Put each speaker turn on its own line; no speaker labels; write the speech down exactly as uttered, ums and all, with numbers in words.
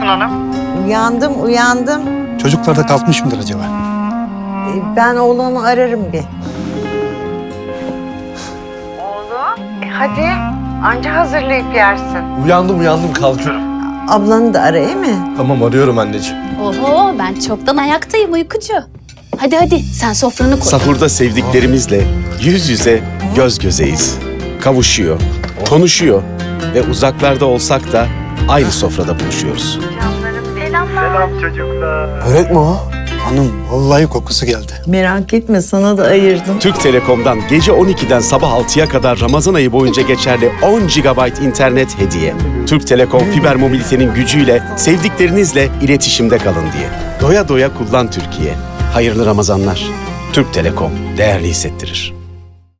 Hanım?
Uyandım, uyandım.
Çocuklar da kalkmış mıdır acaba?
Ee, Ben oğlanı ararım bir. Oğlum, e hadi. Anca hazırlayıp yersin.
Uyandım uyandım kalkıyorum.
Ablanı da ara, iyi mi?
Tamam arıyorum anneciğim.
Oho, ben çoktan ayaktayım uykucu. Hadi hadi sen sofranı koy.
Sahurda sevdiklerimizle yüz yüze, göz gözeyiz. Kavuşuyor, konuşuyor ve uzaklarda olsak da aynı sofrada buluşuyoruz.
Selam çocuklar.
Börek mi o?
Hanım vallahi kokusu geldi.
Merak etme, sana da ayırdım.
Türk Telekom'dan gece on ikiden sabah altıya kadar Ramazan ayı boyunca geçerli on gigabayt internet hediye. Türk Telekom fiber mobilitenin gücüyle sevdiklerinizle iletişimde kalın diye. Doya doya kullan Türkiye. Hayırlı Ramazanlar. Türk Telekom değerli hissettirir.